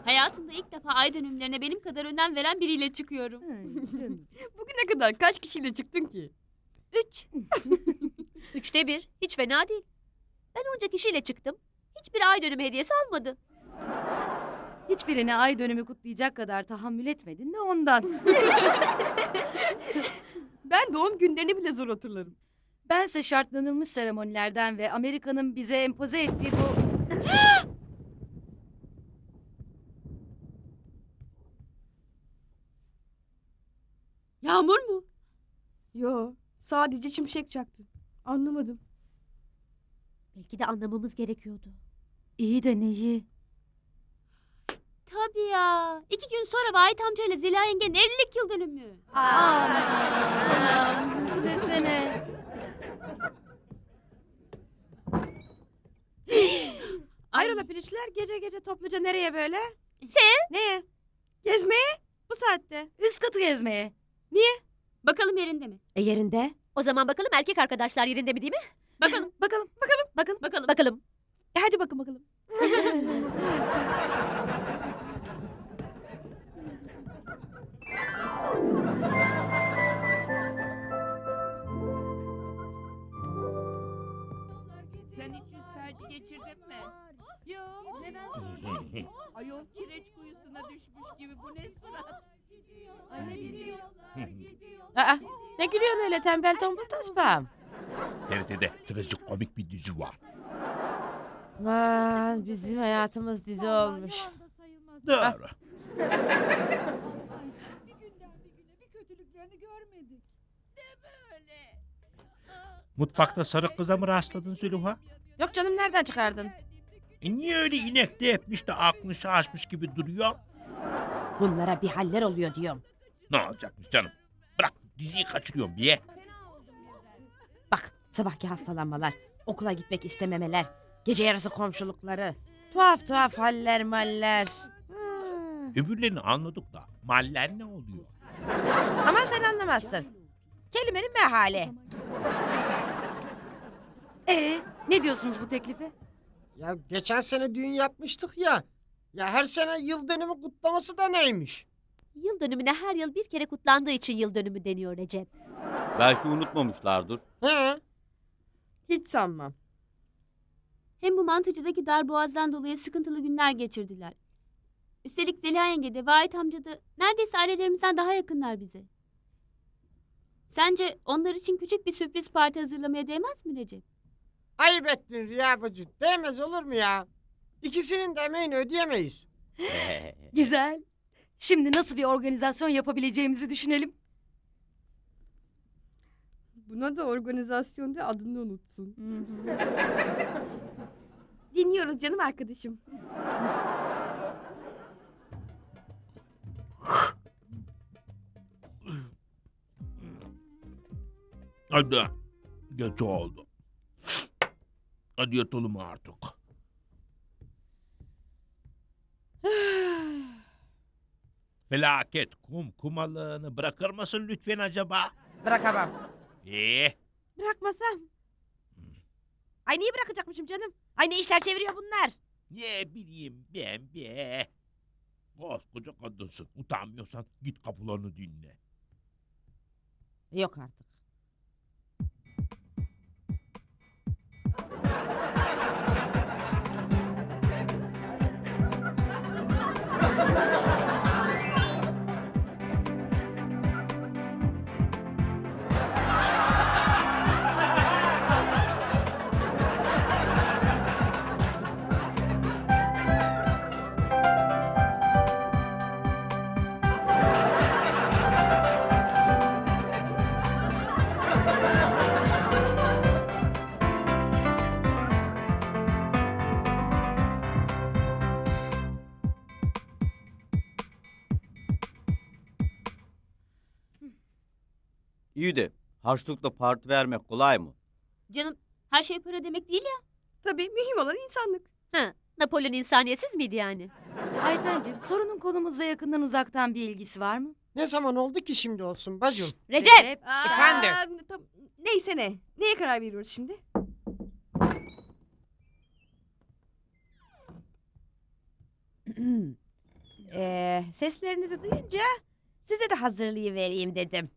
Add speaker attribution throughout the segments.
Speaker 1: Hayatımda ilk defa ay dönümlerine benim kadar önem veren biriyle çıkıyorum.
Speaker 2: Canım.
Speaker 3: Bugüne kadar kaç kişiyle çıktın ki?
Speaker 1: 3.
Speaker 4: 3'te 1. Hiç fena değil. Ben onca kişiyle çıktım. Hiçbir ay dönümü hediyesi almadı.
Speaker 2: Hiçbirine ay dönümü kutlayacak kadar tahammül etmedin de ondan.
Speaker 3: Ben doğum günlerini bile zor hatırlarım.
Speaker 2: Bense şartlanılmış seremonilerden ve Amerika'nın bize empoze ettiği bu...
Speaker 1: Yağmur mu?
Speaker 3: Yo, sadece şimşek çaktı. Anlamadım.
Speaker 4: Belki de anlamamız gerekiyordu.
Speaker 2: İyi de neyi?
Speaker 1: Tabii ya. 2 gün sonra Vahit amcayla Zeliha yengenin evlilik yıl dönümü.
Speaker 2: Aman desene.
Speaker 3: Hayrola pirinçler gece gece topluca nereye böyle?
Speaker 1: Şeye.
Speaker 3: Neye? Gezmeye? Bu saatte.
Speaker 2: Üst katı gezmeye.
Speaker 1: Bakalım yerinde mi?
Speaker 3: Yerinde.
Speaker 4: O zaman bakalım erkek arkadaşlar yerinde mi değil mi?
Speaker 1: Bakalım.
Speaker 2: Bakalım.
Speaker 1: Bakalım.
Speaker 4: Bakalım.
Speaker 3: Hadi bakın bakalım.
Speaker 5: Sen hiç yüz felci geçirdin mi? Yok. Neden? Ayol kireç kuyusuna düşmüş gibi bu ne surat? Ay ne gidiyor?
Speaker 3: Aa, ne gülüyorsun öyle tembel tombul tospam?
Speaker 6: TRT'de trajikomik bir dizi var.
Speaker 3: Aman bizim hayatımız dizi olmuş.
Speaker 6: Doğru.
Speaker 5: Bir günden bir güne bir kötülüklerini görmedik. Öyle.
Speaker 6: Mutfakta sarı kıza mı rastladın Zülüha?
Speaker 3: Yok canım nereden çıkardın?
Speaker 6: Niye öyle inekte etmiş de aklını şaşmış gibi duruyor?
Speaker 3: Bunlara bir haller oluyor diyorum.
Speaker 6: Ne olacakmış canım? Bırak diziyi kaçırıyorum diye.
Speaker 3: Bak sabahki hastalanmalar, okula gitmek istememeler, gece yarısı komşulukları. Tuhaf tuhaf haller maller.
Speaker 6: Öbürlerini anladık da maller ne oluyor?
Speaker 3: Ama sen anlamazsın. Kelimenin mehali.
Speaker 2: Ne diyorsunuz bu teklife?
Speaker 7: Ya geçen sene düğün yapmıştık ya. Ya her sene yıl dönümü kutlaması da neymiş?
Speaker 4: Yıl dönümüne her yıl bir kere kutlandığı için yıl dönümü deniyor Recep.
Speaker 8: Belki unutmamışlardır.
Speaker 7: He?
Speaker 3: Hiç sanmam.
Speaker 1: Hem bu mantıcıdaki darboğazdan dolayı sıkıntılı günler geçirdiler. Üstelik Zeliha yenge de Vahit amca da neredeyse ailelerimizden daha yakınlar bize. Sence onlar için küçük bir sürpriz parti hazırlamaya değmez mi Recep?
Speaker 7: Ayıp ettin Rüya bacı. Değmez olur mu ya? İkisinin de emeğini ödeyemeyiz.
Speaker 2: Güzel. Şimdi nasıl bir organizasyon yapabileceğimizi düşünelim.
Speaker 3: Buna da organizasyonda adını unutsun. Dinliyoruz canım arkadaşım.
Speaker 6: Hadi. Geç oldu. Hadi yatalım artık. Felaket kumalığını bırakır mısın lütfen acaba?
Speaker 3: Bırakamam.
Speaker 6: Bırakmasam?
Speaker 3: Ay niye bırakacakmışım canım? Ay ne işler çeviriyor bunlar?
Speaker 6: Ne bileyim ben be. Koskoca kadınsın. Utanmıyorsan git kapılarını dinle.
Speaker 3: Yok artık.
Speaker 8: İyi de harçlıkla parti vermek kolay mı?
Speaker 1: Canım her şey para demek değil ya.
Speaker 3: Tabii mühim olan insanlık.
Speaker 4: Napolyon insaniyetsiz miydi yani?
Speaker 2: Aytencim, sorunun konumuzla yakından uzaktan bir ilgisi var mı?
Speaker 7: Ne zaman oldu ki şimdi olsun bacım?
Speaker 4: Recep!
Speaker 7: Efendim?
Speaker 3: Neyse ne. Neye karar veriyoruz şimdi? Seslerinizi duyunca size de hazırlayıvereyim dedim.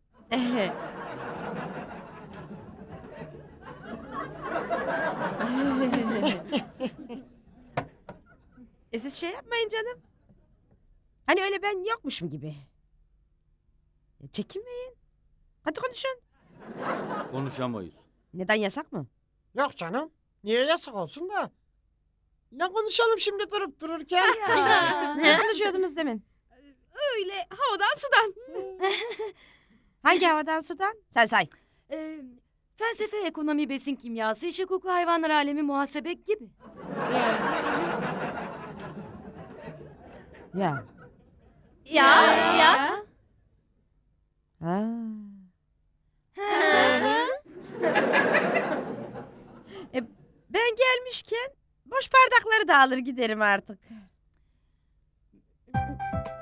Speaker 3: Siz şey yapmayın canım. Hani öyle ben yokmuşum gibi. Çekinmeyin. Hadi konuşun.
Speaker 8: Konuşamayız.
Speaker 3: Neden, yasak mı?
Speaker 7: Yok canım. Niye yasak olsun da? Ne konuşalım şimdi durup dururken?
Speaker 3: Ne konuşuyordunuz demin?
Speaker 5: Öyle havadan sudan.
Speaker 3: Hangi havadan sudan? Sen say.
Speaker 2: Felsefe, ekonomi, besin kimyası, iş hukuku, hayvanlar alemi, muhasebe gibi.
Speaker 3: Ya.
Speaker 4: Ya.
Speaker 3: Ha. Ben gelmişken boş bardakları da alır giderim artık.